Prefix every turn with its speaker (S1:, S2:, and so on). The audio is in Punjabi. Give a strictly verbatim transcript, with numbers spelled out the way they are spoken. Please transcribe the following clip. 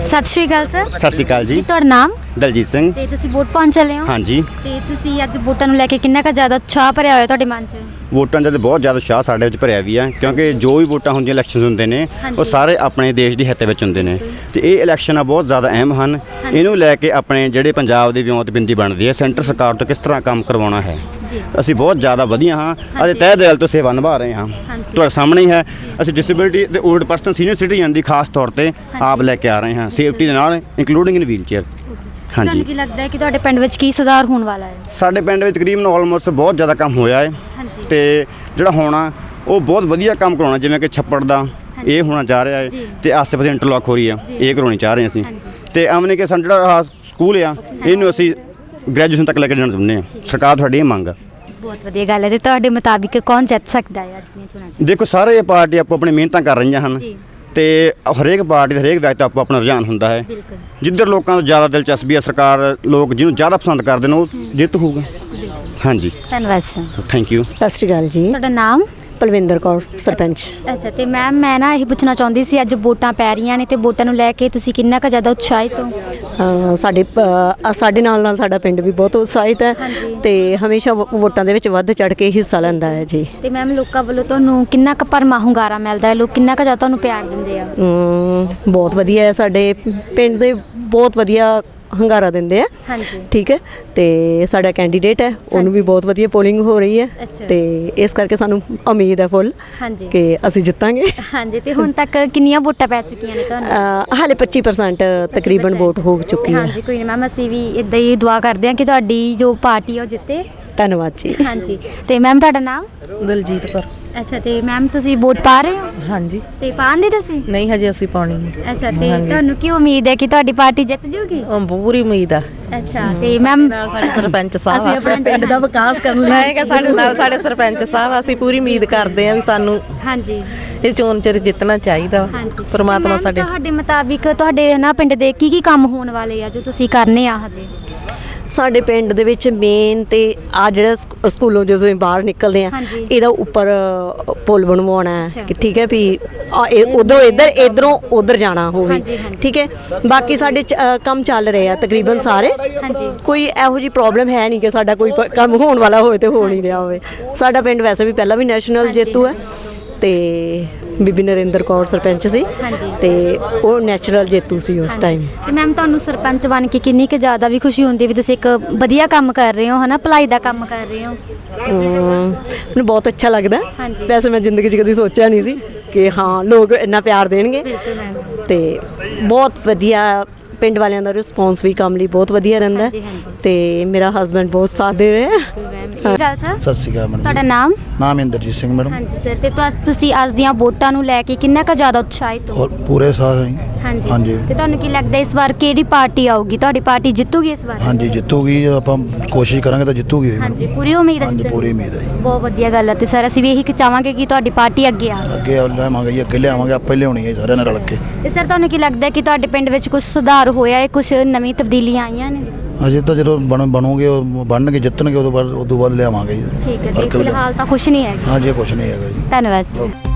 S1: सत श्री अकाल सर।
S2: सत श्री अकाल जी।
S1: ਤੁਹਾਡਾ ਨਾਮ?
S2: ਦਲਜੀਤ ਸਿੰਘ।
S1: ਤੇ ਤੁਸੀਂ ਵੋਟ ਪਾਉਣ ਚੱਲੇ ਹੋ?
S2: ਹਾਂਜੀ।
S1: ਤੇ ਤੁਸੀਂ ਅੱਜ ਵੋਟਾਂ ਨੂੰ ਲੈ ਕੇ ਕਿੰਨਾ ਕੁ ਜ਼ਿਆਦਾ ਉਤਸ਼ਾਹ ਭਰਿਆ ਹੋਇਆ ਤੁਹਾਡੇ ਮਨ 'ਚ?
S2: ਵੋਟਾਂ ਦਾ ਤਾਂ ਬਹੁਤ ਜ਼ਿਆਦਾ ਉਤਸ਼ਾਹ ਸਾਡੇ ਵਿੱਚ ਭਰਿਆ ਵੀ ਆ, ਕਿਉਂਕਿ ਜੋ ਵੀ ਵੋਟਾਂ ਹੁੰਦੀਆਂ ਇਲੈਕਸ਼ਨਸ ਹੁੰਦੇ ਨੇ ਉਹ ਸਾਰੇ ਆਪਣੇ ਦੇਸ਼ ਦੀ ਹਿੱਤ ਵਿੱਚ ਹੁੰਦੇ ਨੇ ਤੇ ਇਹ ਇਲੈਕਸ਼ਨਾਂ ਬਹੁਤ ਜ਼ਿਆਦਾ ਅਹਿਮ ਹਨ। ਇਹਨੂੰ ਲੈ ਕੇ ਆਪਣੇ ਜਿਹੜੇ ਪੰਜਾਬ ਦੀ ਵਿਉਂਤਬਿੰਦੀ ਬਣਦੀ ਹੈ, ਸੈਂਟਰ ਸਰਕਾਰ ਤੋਂ ਕਿਸ ਤਰ੍ਹਾਂ ਕੰਮ ਕਰਵਾਉਣਾ ਹੈ, ਅਸੀਂ ਬਹੁਤ ਜ਼ਿਆਦਾ ਵਧੀਆ ਹਾਂ ਅਤੇ ਤਹਿ ਦਿਲ ਤੋਂ ਸੇਵਾ ਨਿਭਾ ਰਹੇ ਹਾਂ। ਤੁਹਾਡੇ ਸਾਹਮਣੇ ਹੀ ਹੈ, ਅਸੀਂ ਡਿਸੇਬਿਲਿਟੀ ਤੇ ਓਲਡ ਪਰਸਨ ਸੀਨੀਅਰ ਸਿਟੀਜ਼ਨ ਦੀ ਖਾਸ ਤੌਰ ਤੇ ਆਪ ਲੈ ਕੇ ਆ ਰਹੇ ਹਾਂ, ਸੇਫਟੀ ਦੇ ਨਾਲ ਇੰਕਲੂਡਿੰਗ ਇਨ ਵੀਲ ਚੇਅਰ। ਹਾਂਜੀ।
S1: ਤੁਹਾਨੂੰ ਕੀ ਲੱਗਦਾ ਹੈ ਕਿ ਤੁਹਾਡੇ ਪਿੰਡ ਵਿੱਚ ਕੀ ਸੁਧਾਰ ਹੋਣ ਵਾਲਾ ਹੈ?
S2: ਸਾਡੇ ਪਿੰਡ ਵਿੱਚ ਤਕਰੀਬਨ ਆਲਮੋਸਟ ਬਹੁਤ ਜ਼ਿਆਦਾ ਕੰਮ ਹੋਇਆ ਹੈ ਤੇ ਜਿਹੜਾ ਹੋਣਾ ਉਹ ਬਹੁਤ ਵਧੀਆ ਕੰਮ ਕਰਾਉਣਾ, ਜਿਵੇਂ ਕਿ ਛੱਪੜ ਦਾ ਇਹ ਹੋਣਾ ਚਾਹ ਰਿਹਾ ਹੈ ਤੇ ਆਸੇ ਪਾਸੇ ਇੰਟਰਲੌਕ ਹੋ ਰਹੀ ਆ, ਇਹ ਕਰਵਾਉਣੀ ਚਾਹ ਰਹੇ ਅਸੀਂ। ਤੇ ਆਮਨੇ ਕਿ ਸਾਡਾ ਜਿਹੜਾ ਸਕੂਲ ਆ ਇਹਨੂੰ ਅਸੀਂ ਗ੍ਰੈਜੂਏਸ਼ਨ ਤੱਕ ਲੈ ਕੇ ਜਾਣਾ ਚਾਹੁੰਦੇ ਹਾਂ। ਸਰਕਾਰ ਤੁਹਾਡੀ ਇਹ ਮੰਗ ਆ।
S1: ਬਹੁਤ ਵਧੀਆ ਗੱਲ ਹੈ। ਤੇ ਤੁਹਾਡੇ ਮੁਤਾਬਿਕ ਕੌਣ ਜਿੱਤ ਸਕਦਾ ਹੈ ਅੱਜ ਦੀਆਂ ਚੋਣਾਂ 'ਚ?
S2: ਦੇਖੋ, ਸਾਰੇ ਪਾਰਟੀ ਆਪੋ ਆਪਣੀ ਮਿਹਨਤਾਂ ਕਰ ਰਹੀਆਂ ਹਨ ਤੇ ਹਰੇਕ ਪਾਰਟੀ ਦਾ ਹਰੇਕ ਵਿਅਕਤੀ ਆਪੋ ਆਪਣਾ ਰੁਝਾਨ ਹੁੰਦਾ ਹੈ। ਜਿੱਧਰ ਲੋਕਾਂ ਨੂੰ ਜ਼ਿਆਦਾ ਦਿਲਚਸਪੀ ਹੈ, ਸਰਕਾਰ ਲੋਕ ਜਿਹਨੂੰ ਜ਼ਿਆਦਾ ਪਸੰਦ ਕਰਦੇ ਨੇ ਉਹ ਜਿੱਤ ਹੋਊਗਾ। ਹਾਂਜੀ,
S1: ਧੰਨਵਾਦ ਸਰ।
S2: Thank you.
S3: ਸਤਿ ਸ਼੍ਰੀ ਅਕਾਲ ਜੀ।
S1: ਤੁਹਾਡਾ ਨਾਮ?
S3: ਪਲਵਿੰਦਰ ਕੌਰ, ਸਰਪੰਚ।
S1: ਅੱਛਾ, ਤੇ ਮੈਮ ਮੈਂ ਨਾ ਇਹ ਪੁੱਛਣਾ ਚਾਹੁੰਦੀ ਸੀ, ਅੱਜ ਵੋਟਾਂ ਪੈ ਰਹੀਆਂ ਨੇ ਤੇ ਵੋਟਾਂ ਨੂੰ ਲੈ ਕੇ ਤੁਸੀਂ ਕਿੰਨਾ ਕੁ ਜ਼ਿਆਦਾ ਉਤਸ਼ਾਹਿਤ ਹੋ?
S3: ਅ, ਸਾਡੇ ਅ, ਸਾਡੇ ਨਾਲ ਨਾਲ ਸਾਡਾ ਪਿੰਡ ਵੀ ਬਹੁਤ ਉਤਸ਼ਾਹਿਤ ਹੈ ਤੇ ਹਮੇਸ਼ਾ ਵੋ- ਵੋਟਾਂ ਦੇ ਵਿੱਚ ਵੱਧ ਚੜ ਕੇ ਹਿੱਸਾ ਲੈਂਦਾ ਹੈ ਜੀ।
S1: ਤੇ ਮੈਮ ਲੋਕਾਂ ਵੱਲੋਂ ਤੁਹਾਨੂੰ ਕਿੰਨਾ ਕੁ ਭਰਮਾ ਹੁੰਗਾਰਾ ਮਿਲਦਾ ਹੈ? ਲੋਕ ਕਿੰਨਾ ਕੁ ਜ਼ਿਆਦਾ ਤੁਹਾਨੂੰ ਪਿਆਰ ਦਿੰਦੇ ਆ?
S3: ਅਮ, ਬਹੁਤ ਵਧੀਆ ਹੈ, ਸਾਡੇ ਪਿੰਡ ਦੇ ਬਹੁਤ ਵਧੀਆ ਹੰਗਾਰਾ ਦਿੰਦੇ ਆ।
S1: ਹਾਂਜੀ।
S3: ਠੀਕ ਹੈ, ਤੇ ਸਾਡਾ ਕੈਂਡੀਡੇਟ ਹੈ, ਉਹਨੂੰ ਵੀ ਬਹੁਤ ਵਧੀਆ ਪੋਲਿੰਗ ਹੋ ਰਹੀ ਹੈ
S1: ਅੱਛਾ।
S3: ਤੇ ਇਸ ਕਰਕੇ ਸਾਨੂੰ ਉਮੀਦ ਹੈ ਫੁੱਲ
S1: ਹਾਂਜੀ
S3: ਕਿ ਅਸੀਂ ਜਿੱਤਾਂਗੇ।
S1: ਹਾਂਜੀ। ਤੇ ਹੁਣ ਤੱਕ ਕਿੰਨੀਆਂ ਵੋਟਾਂ ਪੈ ਚੁੱਕੀਆਂ ਨੇ ਤੁਹਾਨੂੰ?
S3: ਅ, ਹਾਲੇ ਪੱਚੀ ਪਰਸੈਂਟ ਤਕਰੀਬਨ ਵੋਟ ਹੋ ਚੁੱਕੀ ਹੈ।
S1: ਹਾਂਜੀ, ਕੋਈ ਨਹੀਂ ਮੈਮ, ਅਸੀਂ ਵੀ ਇਦਾਂ ਹੀ ਦੁਆ ਕਰਦੇ ਹਾਂ ਕਿ ਤੁਹਾਡੀ ਜੋ ਪਾਰਟੀ ਆ ਉਹ ਜਿੱਤੇ।
S3: ਧੰਨਵਾਦ ਜੀ।
S1: ਹਾਂਜੀ। ਤੇ ਮੈਮ ਤੁਹਾਡਾ ਨਾਮ?
S4: ਦਲਜੀਤ ਕੌਰ।
S1: ਅੱਛਾ, ਤੇ ਮੈਮ ਤੁਸੀਂ ਵੋਟ ਪਾ ਰਹੇ ਹੋ?
S4: ਹਾਂਜੀ।
S1: ਤੇ ਪਾਉਂਦੇ ਤੁਸੀਂ?
S4: ਨਹੀਂ, ਹਜੇ ਅਸੀਂ ਪਾਉਣੀ ਹੈ।
S1: ਅੱਛਾ, ਤੇ ਤੁਹਾਨੂੰ ਕੀ ਉਮੀਦ ਹੈ ਕਿ ਤੁਹਾਡੀ ਪਾਰਟੀ ਜਿੱਤ ਜੂਗੀ?
S4: ਅਮ ਪੂਰੀ ਉਮੀਦ ਆ।
S1: ਅੱਛਾ, ਤੇ ਮੈਮ
S4: ਨਾਲ ਸਾਡੇ ਸਰਪੰਚ ਸਾਹਿਬ
S3: ਅਸੀਂ ਆਪਣੇ ਪਿੰਡ ਦਾ ਵਿਕਾਸ ਕਰਨ ਲਈ
S4: ਮੈਂ ਕਿਹਾ ਸਾਡੇ ਨਾਲ ਸਾਡੇ ਸਰਪੰਚ ਸਾਹਿਬ, ਅਸੀਂ ਪੂਰੀ ਉਮੀਦ ਕਰਦੇ ਆ ਵੀ ਸਾਨੂੰ
S1: ਹਾਂਜੀ
S4: ਇਹ ਚੋਣ ਚ ਜਿੱਤਣਾ ਚਾਹੀਦਾ।
S1: ਹਾਂਜੀ।
S4: ਪਰਮਾਤਮਾ
S1: ਮੈਮ,
S4: ਸਾਡੇ
S1: ਤੁਹਾਡੇ ਮੁਤਾਬਿਕ ਤੁਹਾਡੇ ਨਾ ਪਿੰਡ ਦੇ ਕੀ ਕੀ ਕੰਮ ਹੋਣ ਵਾਲੇ ਆ ਜੋ ਤੁਸੀਂ ਕਰਨੇ ਆ ਹਜੇ?
S3: ਸਾਡੇ ਪਿੰਡ ਦੇ ਵਿੱਚ ਮੇਨ ਤੇ ਆ ਜਿਹੜਾ ਸਕੂ- ਸਕੂਲੋਂ ਜਦੋਂ ਅਸੀਂ ਬਾਹਰ ਨਿਕਲਦੇ ਆ,
S1: ਹਾਂਜੀ।
S3: ਇਹਦਾ ਉੱਪਰ ਅ, ਪੁਲ ਬਣਵਾਉਣਾ ਹੈ
S1: ਅੱਛਾ।
S3: ਕਿ ਠੀਕ ਹੈ ਵੀ ਉਧਰੋਂ ਇੱਧਰ ਇਧਰੋਂ ਉਧਰ ਜਾਣਾ ਹੋਵੇ।
S1: ਹਾਂਜੀ, ਹਾਂਜੀ।
S3: ਠੀਕ ਹੈ, ਬਾਕੀ ਸਾਡੇ ਚ- ਅ, ਕੰਮ ਚੱਲ ਰਹੇ ਆ ਤਕਰੀਬਨ ਸਾਰੇ।
S1: ਹਾਂਜੀ।
S3: ਕੋਈ ਇਹੋ ਜੀ ਪ੍ਰੋਬਲਮ ਹੈ ਨਹੀਂ ਕਿ ਸਾਡਾ ਕੋਈ ਪ- ਕੰਮ ਹੋਣ ਵਾਲਾ ਹੋਵੇ ਤੇ ਹੋ ਨਹੀਂ ਰਿਹਾ ਹੋਵੇ। ਸਾਡਾ ਪਿੰਡ ਵੈਸੇ ਵੀ ਪਹਿਲਾਂ ਵੀ ਨੈਸ਼ਨਲ ਜੇਤੂ ਹੈ ਤੇ ਬੀਬੀ ਨਰਿੰਦਰ ਕੌਰ ਸਰਪੰਚ ਸੀ
S1: ਹਾਂਜੀ।
S3: ਤੇ ਉਹ ਨੈਚੁਰਲ ਜੇਤੂ ਸੀ ਉਸ ਟਾਈਮ।
S1: ਤੇ ਮੈਮ ਤੁਹਾਨੂੰ ਸਰਪੰਚ ਬਣ ਕੇ ਕਿੰਨੀ ਕੁ ਜ਼ਿਆਦਾ ਵੀ ਖੁਸ਼ੀ ਹੁੰਦੀ ਵੀ ਤੁਸੀਂ ਇੱਕ ਵਧੀਆ ਕੰਮ ਕਰ ਰਹੇ ਹੋ, ਹਨਾ, ਭਲਾਈ ਦਾ ਕੰਮ ਕਰ ਰਹੇ ਹੋ?
S3: ਹਮ, ਮੈਨੂੰ ਬਹੁਤ ਅੱਛਾ ਲੱਗਦਾ।
S1: ਹਾਂਜੀ।
S3: ਵੈਸੇ ਮੈਂ ਜ਼ਿੰਦਗੀ 'ਚ ਕਦੀ ਸੋਚਿਆ ਨਹੀਂ ਸੀ ਕਿ ਹਾਂ ਲੋਕ ਇੰਨਾ ਪਿਆਰ ਦੇਣਗੇ
S1: ਬਿਲਕੁਲ ਮੈਮ।
S3: ਤੇ ਬਹੁਤ ਵਧੀਆ ਪਿੰਡ ਵਾਲਿਆਂ ਦਾ ਰਿਸਪੌਂਸ ਵੀ ਕੰਮ ਲਈ ਬਹੁਤ ਵਧੀਆ ਰਹਿੰਦਾ
S1: ਹਾਂਜੀ, ਹਾਂਜੀ।
S3: ਤੇ ਮੇਰਾ ਹਸਬੈਂਡ ਬਹੁਤ ਸਾਥ ਦੇ ਰਹੇ ਆ।
S1: ਇਹ ਗੱਲ ਸਰ।
S5: ਸਤਿ ਸ਼੍ਰੀ ਅਕਾਲ ਮੈਡਮ।
S1: ਤੁਹਾਡਾ ਨਾਮ?
S5: ਨਾਮ ਇੰਦਰਜੀਤ ਸਿੰਘ ਮੈਡਮ।
S1: ਹਾਂਜੀ ਸਰ, ਤੇ ਤੁਸ- ਤੁਸੀਂ ਅੱਜ ਦੀਆਂ ਵੋਟਾਂ ਨੂੰ ਲੈ ਕੇ ਕਿੰਨਾ ਕੁ ਜ਼ਿਆਦਾ ਉਤਸ਼ਾਹਿਤ ਹੋ?
S5: ਔਰ ਪੂਰੇ ਸਾਥ ਹੈ।
S1: ਹਾਂਜੀ।
S5: ਹਾਂਜੀ।
S1: ਤੇ ਤੁਹਾਨੂੰ ਕੀ ਲੱਗਦਾ ਇਸ ਵਾਰ ਕਿਹੜੀ ਪਾਰਟੀ ਆਊਗੀ? ਤੁਹਾਡੀ ਪਾਰਟੀ ਜਿੱਤੂਗੀ ਇਸ ਵਾਰ?
S5: ਹਾਂਜੀ, ਜਿੱਤੂਗੀ। ਜੇ ਆਪਾਂ ਕੋਸ਼ਿਸ਼ ਕਰਾਂਗੇ ਤਾਂ ਜਿੱਤੂਗੀ ਮੈਡਮ।
S1: ਹਾਂਜੀ, ਪੂਰੀ ਉਮੀਦ ਹੈ?
S5: ਹਾਂਜੀ, ਪੂਰੀ ਉਮੀਦ ਹੈ ਜੀ।
S1: ਬਹੁਤ ਵਧੀਆ ਗੱਲ ਹੈ। ਤੇ ਸਰ ਅਸੀਂ ਵੀ ਇਹੀ ਚਾਹਾਂਗੇ ਕਿ ਤੁਹਾਡੀ ਪਾਰਟੀ ਅੱਗੇ ਆਵੇ।
S5: ਅੱਗੇ ਲਿਆਵਾਂਗੇ ਜੀ, ਅੱਗੇ ਲਿਆਵਾਂਗੇ, ਆਪੇ ਲਿਆਉਣੀ ਹੈ ਸਾਰਿਆਂ ਨਾਲ ਰਲ ਕੇ।
S1: ਤੇ ਸਰ ਤੁਹਾਨੂੰ ਕੀ ਲੱਗਦਾ ਕਿ ਤੁਹਾਡੇ ਪਿੰਡ ਵਿੱਚ ਕੁਝ ਸੁਧਾਰ ਹੋਇਆ ਹੈ, ਕੁਝ ਨਵੀਂ ਤਬਦੀਲੀਆਂ ਆਈਆਂ ਨੇ?
S5: ਅਜੇ ਤਾਂ ਜਦੋਂ ਬਣ ਬਣੋਗੇ, ਉਹ ਬਣਨਗੇ, ਜਿੱਤਣਗੇ, ਉਦੋਂ ਬਾਅਦ ਉਦੋਂ ਬਾਅਦ ਲਿਆਵਾਂਗੇ ਜੀ।
S1: ਠੀਕ ਹੈ। ਤੇ
S5: ਫਰਕ ਵੀ ਲਿਆ-
S1: ਫਿਲਹਾਲ ਤਾਂ ਕੁਝ ਨਹੀਂ ਹੈ।
S5: ਹਾਂਜੀ, ਇਹ ਕੁਛ ਨਹੀਂ ਹੈਗਾ ਜੀ।
S1: ਧੰਨਵਾਦ ਸਰ।